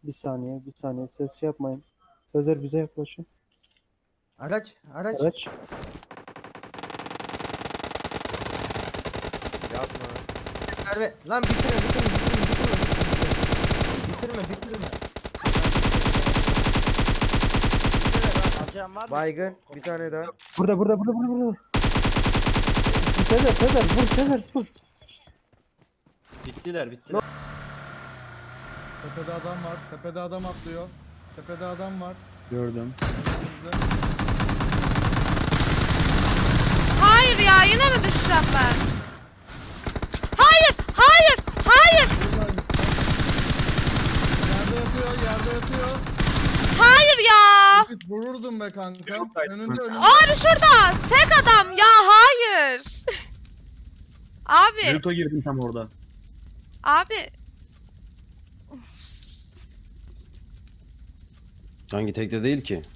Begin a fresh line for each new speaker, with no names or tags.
Bir saniye, bir saniye. Ses yapmayın. Sezer bize yaklaşın.
Araç.
Araç.
Yapma.
Merve. Lan bitirme. Bitirme.
Alacağım var mı?
Baygın. Bir tane daha.
Burada. Sezer vur Sezer vur.
Bittiler.
Tepede adam var. Tepede adam atlıyor. Tepede adam var.
Gördüm.
Önümüzde.
Hayır ya, yine mi düşeceğim ben? Hayır.
Yerde yatıyor.
Hayır ya.
Vururdum be kanka. Önünde.
Abi şurada. Tek adam ya, hayır. Abi.
Naruto girdim tam orada.
Abi.
Hangi tekte değil ki?